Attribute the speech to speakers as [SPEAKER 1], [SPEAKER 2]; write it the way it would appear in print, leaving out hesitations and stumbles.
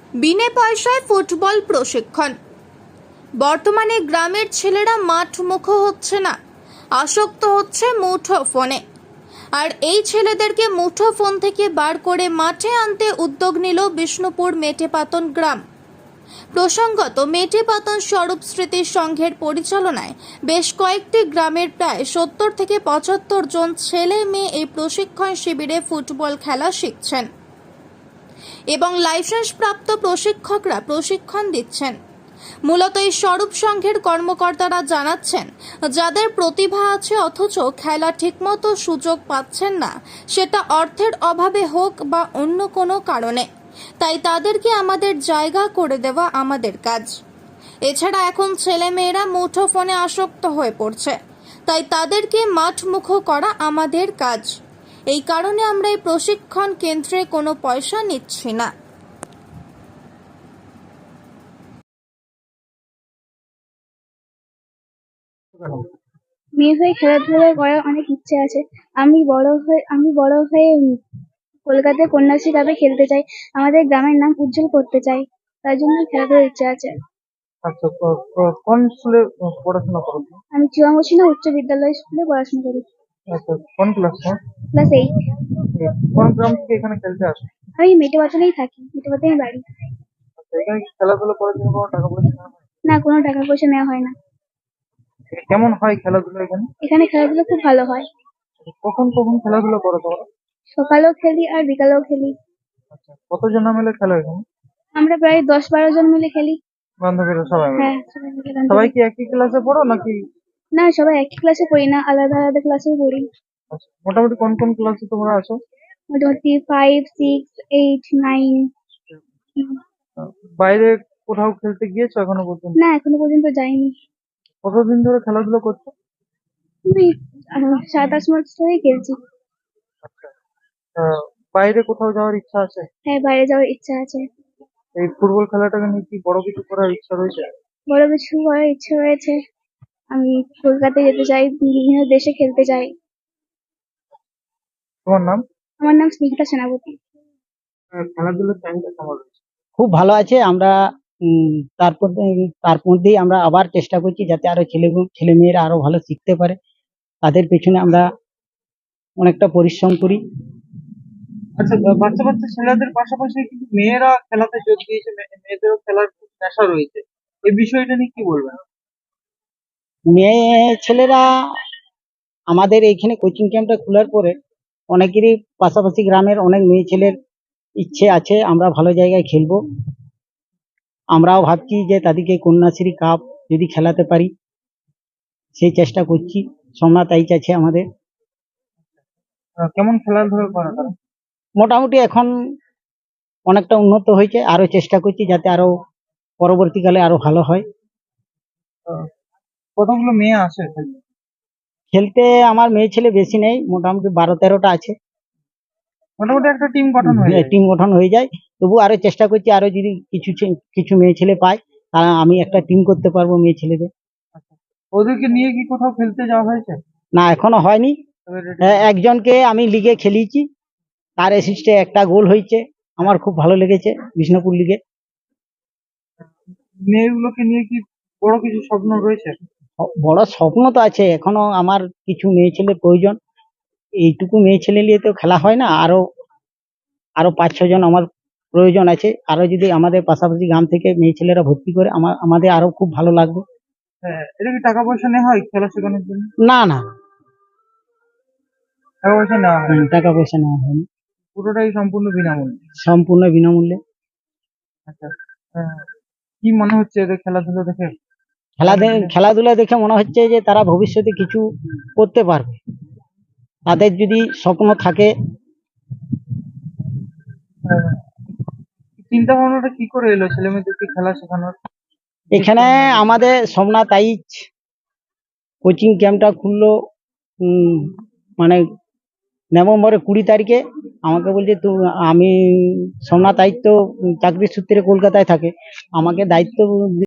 [SPEAKER 1] বিনে পয়সায় ফুটবল প্রশিক্ষণ। বর্তমানে গ্রামের ছেলেরা মাঠমুখো হচ্ছে না, আসক্ত হচ্ছে মুঠো ফোনে। আর এই ছেলেদেরকে মুঠো ফোন থেকে বার করে মাঠে আনতে উদ্যোগ নিল বিষ্ণুপুর মেটেপাতন গ্রাম। প্রসঙ্গত, মেটেপাতন স্বরূপ স্মৃতি সংঘের পরিচালনায় বেশ কয়েকটি গ্রামের প্রায় 70 থেকে 75 জন ছেলে মেয়ে এই প্রশিক্ষণ শিবিরে ফুটবল খেলা শিখছেন এবং লাইসেন্স প্রাপ্ত প্রশিক্ষকরা প্রশিক্ষণ দিচ্ছেন। মূলত এই স্বরূপ সংঘের কর্মকর্তারা জানাচ্ছেন, যাদের প্রতিভা আছে অথচ খেলা ঠিকমতো সুযোগ পাচ্ছেন না, সেটা অর্থের অভাবে হোক বা অন্য কোনো কারণে, তাই তাদেরকে আমাদের জায়গা করে দেওয়া আমাদের কাজ। এছাড়া এখন ছেলেমেয়েরা মুঠো ফোনে আসক্ত হয়ে পড়ছে, তাই তাদেরকে মাঠমুখো করা আমাদের কাজ। এই কারণে আমরা এই প্রশিক্ষণ কেন্দ্রে কোনো পয়সা নিচ্ছি না।
[SPEAKER 2] মেয়ে হয়ে খেলাধুলা করার অনেক ইচ্ছে আছে। আমি বড় হয়ে কলকাতায় কন্যাশ্রী কাপে খেলতে চাই। আমাদের গ্রামের নাম উজ্জ্বল করতে চাই। তার জন্য খেলাধুলার ইচ্ছা আছে।
[SPEAKER 3] আচ্ছা, কোন স্কুলে পড়াশোনা করো তুমি?
[SPEAKER 2] আমি চুয়ামুচিনা উচ্চ বিদ্যালয় স্কুলে পড়াশোনা করি।
[SPEAKER 3] আচ্ছা, কোন ক্লাসে?
[SPEAKER 2] ক্লাস 8।
[SPEAKER 3] কোন গ্রাম থেকে এখানে খেলতে আসো?
[SPEAKER 2] আমি মেটেপাতনেই থাকি, মেটেপাতনেই বাড়ি।
[SPEAKER 3] আচ্ছা, এখানে খেলাধুলা করার জন্য কোনো টাকা পয়সা নেওয়া হয়?
[SPEAKER 2] না, কোনো টাকা পয়সা নেওয়া হয় না।
[SPEAKER 3] কেমন হয় খেলাধুলা এখানে?
[SPEAKER 2] এখানে খেলাধুলা খুব ভালো হয়।
[SPEAKER 3] কখন কখন খেলাধুলা করো তোমরা?
[SPEAKER 2] সকালেও খেলি আর বিকালেও খেলি।
[SPEAKER 3] আচ্ছা, কতজন মিলে খেলো এখানে?
[SPEAKER 2] আমরা প্রায় 10-12 জন মিলে খেলি।
[SPEAKER 3] বান্ধবীরা সবাই মিলে?
[SPEAKER 2] হ্যাঁ, সবাই মিলে গান
[SPEAKER 3] সবাই
[SPEAKER 2] করি।
[SPEAKER 3] কি একই ক্লাসে পড়ো নাকি?
[SPEAKER 2] না, সবাই একই ক্লাসে পড়ি না, আলাদা আলাদা ক্লাসে পড়ি।
[SPEAKER 3] আচ্ছা, মোটামুটি কোন কোন ক্লাসে তোমরা আছো?
[SPEAKER 2] মোটামুটি 5, 6, 8, 9।
[SPEAKER 3] বাইরে কোথাও খেলতে গিয়েছো এখনো পর্যন্ত?
[SPEAKER 2] না, এখনো পর্যন্ত যাইনি।
[SPEAKER 3] কতদিন ধরে খেলাধুলা করছো?
[SPEAKER 2] আমি 7-8 মাস ধরেই খেলছি।
[SPEAKER 3] আচ্ছা, বাইরে কোথাও যাওয়ার ইচ্ছা আছে?
[SPEAKER 2] হ্যাঁ, বাইরে যাওয়ার ইচ্ছা আছে।
[SPEAKER 3] এই ফুটবল খেলাটাকে নিয়ে কি বড় কিছু করার ইচ্ছা রয়েছে?
[SPEAKER 2] বড় কিছু করার ইচ্ছে রয়েছে। আমি কলকাতায় যেতে চাই, বিভিন্ন দেশে খেলতে চাই।
[SPEAKER 3] তোমার নাম?
[SPEAKER 2] আমার নাম স্নিগ্ধা সেনাপতি।
[SPEAKER 3] খেলাধুলার টাইমটা কেমন রয়েছে?
[SPEAKER 4] খুব ভালো আছে। আমরা তার মধ্যেই আমরা আবার চেষ্টা করছি যাতে আরো ছেলেমেয়েরা আরো ভালো শিখতে পারে। তাদের পেছনে আমরা অনেকটা পরিশ্রম করি।
[SPEAKER 3] আচ্ছা, বাচ্চা বাচ্চা ছেলেদের পাশাপাশি কিন্তু মেয়েরা খেলাতে যোগ দিয়েছে, মেয়েদেরও খেলার খুব নেশা রয়েছে। এই বিষয়টা নিয়ে কি বলবেন?
[SPEAKER 4] মেয়ে ছেলেরা আমাদের এইখানে কোচিং ক্যাম্পটা খোলার পরে অনেকেরই পাশাপাশি গ্রামের অনেক মেয়ে ছেলের ইচ্ছে আছে আমরা ভালো জায়গায় খেলবো। আমরাও ভাবছি যে তাদেরকে কন্যাশ্রী কাপ যদি খেলাতে পারি, সেই চেষ্টা করছি। সোমনাথ আইচ আছে আমাদের।
[SPEAKER 3] কেমন খেলাধুলা করে তারা?
[SPEAKER 4] মোটামুটি এখন অনেকটা উন্নত হয়েছে, আরো চেষ্টা করছি যাতে আরো পরবর্তীকালে আরো ভালো হয়।
[SPEAKER 3] আহ, কতগুলো মেয়ে আসে খেলতে?
[SPEAKER 4] খেলতে আমার মেয়ে ছেলে বেশি নেই, মোটামুটি 12-13টা আছে।
[SPEAKER 3] মোটামুটি একটা টিম গঠন হয়ে যায়।
[SPEAKER 4] টিম গঠন হয়ে যায়। তবু আরো চেষ্টা করছি, আরো যদি কিছু মেয়ে ছেলে পাই তাহলে আমি একটা টিম করতে পারবো মেয়ে ছেলেদের।
[SPEAKER 3] আচ্ছা, ওদেরকে নিয়ে কি কোথাও খেলতে যাওয়া হয়েছে?
[SPEAKER 4] না, এখনো হয়নি।
[SPEAKER 3] তবে ready-
[SPEAKER 4] একজনকে আমি লিগে খেলিয়েছি, তার অ্যাসিস্টে একটা গোল হয়েছে। আমার খুব ভালো লেগেছে বিষ্ণুপুর লিগে।
[SPEAKER 3] মেয়েগুলোকে নিয়ে কি বড় কিছু স্বপ্ন রয়েছে?
[SPEAKER 4] বড় স্বপ্ন তো আছে, এখনো আমার কিছু মেয়ে ছেলের প্রয়োজন। এইটুকু মেয়ে ছেলে নিয়ে তো খেলা হয় না, আরো আরো 5-6 জন আমার প্রয়োজন আছে। আরো যদি আমাদের পাশাপাশি গ্রাম থেকে মেয়ে ছেলেরা ভর্তি করে আমাদের আরো খুব ভালো লাগবে।
[SPEAKER 3] হ্যাঁ, এটা কি টাকা পয়সা নেওয়া হয় খেলা শেখানোর জন্য?
[SPEAKER 4] না না,
[SPEAKER 3] টাকা পয়সা নেওয়া হয় না?
[SPEAKER 4] টাকা পয়সা নেওয়া হয়নি,
[SPEAKER 3] পুরোটাই সম্পূর্ণ বিনামূল্যে?
[SPEAKER 4] সম্পূর্ণ বিনামূল্যে।
[SPEAKER 3] আচ্ছা, কি মনে হচ্ছে এদের খেলাধুলো দেখে?
[SPEAKER 4] খেলাধুলা দেখে মনে হচ্ছে যে তারা ভবিষ্যতে কিছু করতে পারবে, তাদের যদি স্বপ্ন থাকে।
[SPEAKER 3] আহ, চিন্তা ভাবনাটা কি করে এলো ছেলে মেয়েদেরকে খেলা শেখানোর?
[SPEAKER 4] এখানে আমাদের সোমনাথ আইচ কোচিং ক্যাম্পটা খুললো মানে নভেম্বরের 20 তারিখে। আমাকে বলছে আমি সোমনাথ আইচ তো চাকরির সূত্রে কলকাতায় থাকে, আমাকে দায়িত্ব